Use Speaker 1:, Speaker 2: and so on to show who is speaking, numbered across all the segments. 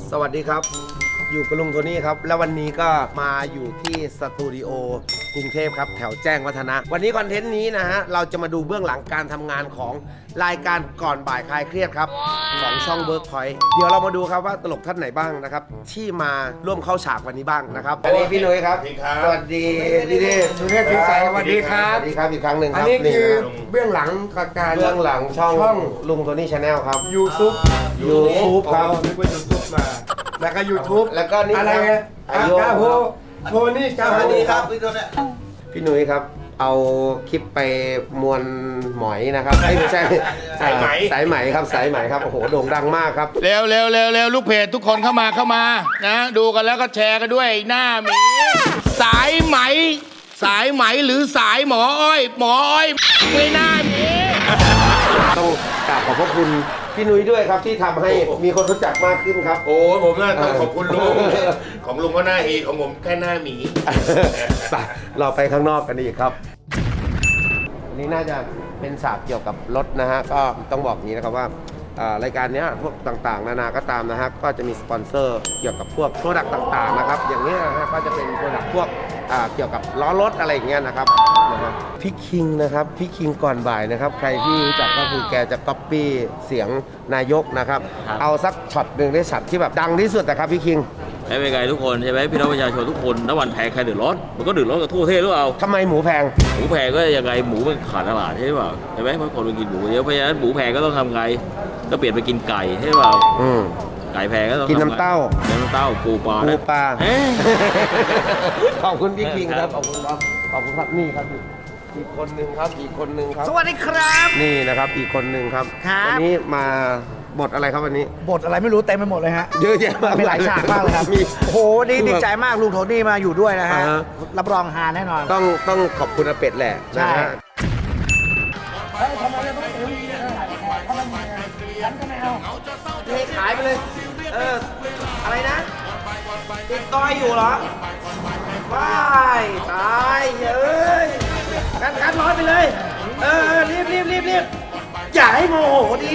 Speaker 1: สวัสดีครับอยู่กับลุงโทนี่ครับแล้ววันนี้ก็มาอยู่ที่สตูดิโอกรุงเทพครับแถวแจ้งวัฒนะวันนี้คอนเทนต์นี้นะฮะเราจะมาดูเบื้องหลังการทำงานของรายการก่อนบ่ายคลายเครียดครับของช่อง Workpoint เดี๋ยวเรามาดูครับว่าตลกท่านไหนบ้างนะครับที่มาร่วมเข้าฉากวันนี้บ้างนะครับอันนี้พี่นุ้ยครับสวัสดีพี่เดชสุเทพพิสัยสวัสดีครับสวัสดีครับอีกครั้งหนึ่งครับอันนี้คือเบื้องหลังการเบื้องหลังช่องลุงโทนี่ชาแนลครับ
Speaker 2: YouTube
Speaker 1: ครับ
Speaker 2: นึกว่า YouTube มาแล้วก็ YouTube
Speaker 1: แล้วก็นี่
Speaker 2: อะไรนะกาโฮโทนี่กาโฮนี่ครับ
Speaker 1: พี่นุ้ยครับเอาคลิปไปมวลหมอยนะครับไม่ใช่สายไหมครับสายไหมครับโอ้โหโด่งดังมากครับ
Speaker 3: เร็วเร็วเร็วเร็วลูกเพจทุกคนเข้ามานะดูกันแล้วก็แชร์กันด้วยหน้าหมีสายไหมหรือสายหมออ้อยไม่น่าหมี
Speaker 1: ต้องกราบขอบพระคุณพี่นุ้ยด้วยครับที่ทำให้มีคนรู้จักมากขึ้นครับ
Speaker 3: โอ้ผมน่าต้องขอบคุณลุงของลุงก็หน้าฮีของผมแค่หน้าหมี
Speaker 1: ไปเราไปข้างนอกกันอีกครับอันนี้น่าจะเป็นฉากเกี่ยวกับรถนะฮะก็ต้องบอกอย่างนี้นะครับว่ารายการนี้พวกต่างๆนานาก็ตามนะฮะก็จะมีสปอนเซอร์เกี่ยวกับพวกโปรดักต์ต่างๆนะครับอย่างนี้นะฮะก็จะเป็นโปรดักต์พวกเกี่ยวกับล้อรถอะไรอย่างเงี้ยนะครับนะฮะพี่คิงนะครับพี่คิงก่อนบ่ายนะครับใครที่รู้จักก็คือแกจะก๊อปปี้เสียงนายกนะครับเอาสักช็อตหนึ่งได้ช็อตที่แบบดังที่สุดนะครับพี่คิง
Speaker 4: ใช้เป็นไงทุกคนใช่ไหมพี่น้องประชาชนทุกคนน้ำมันแพงใครเดือดร้อนมันก็เดือดร้อนกับทั่วประเทศหรือเปล่า
Speaker 1: ทำไมหมูแพง
Speaker 4: หมูแพงก็ยังไงหมูมันขาดตลาดใช่เปล่าใช่ไหมเพราะคนไปกินหมูเยอะเพราะฉะนั้นหมูแพงก็ต้องทำไงก็เปลี่ยนไปกินไก่ใช่เปล่าไก่แพงก็ต้อง
Speaker 1: กินน้ำเต้า
Speaker 4: น้ำเต้าปูปลา
Speaker 1: ปูปลา
Speaker 4: เอ๊ะ
Speaker 1: ขอบคุณพี่คิงครับขอบคุณครับขอบคุณครับนี่ครับอีกคนหนึ่งครับอีกคนหนึ่งครับ
Speaker 2: สวัสดีครับ
Speaker 1: นี่นะครับอีกคนหนึ่งครับ
Speaker 2: ครับ
Speaker 1: วันนี้มาบทอะไรครับวันนี้
Speaker 2: บทอะไรไม่รู้เต็มไปหมดเลยฮะ
Speaker 1: เยอะแยะมาก
Speaker 2: มีหลายฉากมากเลยครับ
Speaker 1: มี
Speaker 2: โอ้โหนี่ดีใจมากลุงโทนี่มาอยู่ด้วยนะฮะ
Speaker 1: อ่าฮะ
Speaker 2: รับรองฮาแน่นอน
Speaker 1: ต้องขอบคุณอาเป็ดแหละนะฮะ
Speaker 2: ขายไปเลยอะไรนะติดต้อยอยู่เหรอว้ายตายเฮ้ยกันร้อยไปเลยรีบอย่าให้โมโหดี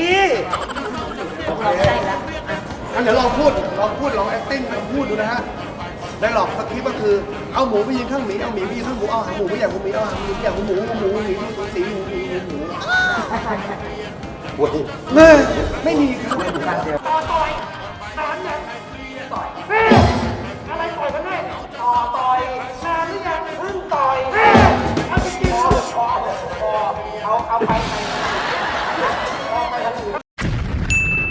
Speaker 2: งั้นเดี๋ยวลองพูดลอง acting ลองพูดดูนะฮะได้หรอกสคริปต์ก็คือเอาหมูไปยืนข้างหมีเอาหมีไปยืนข้างหมูเอาหางหมูไปอย่างหมูเอาหางหมูอย่างหมูหมีสีหมูไม่มีครับต่อยนานยังต่อยอะไรต่อยกันแน่ต่อยนานหรือยังเพิ่งต่อยเอาจริงๆเอาไป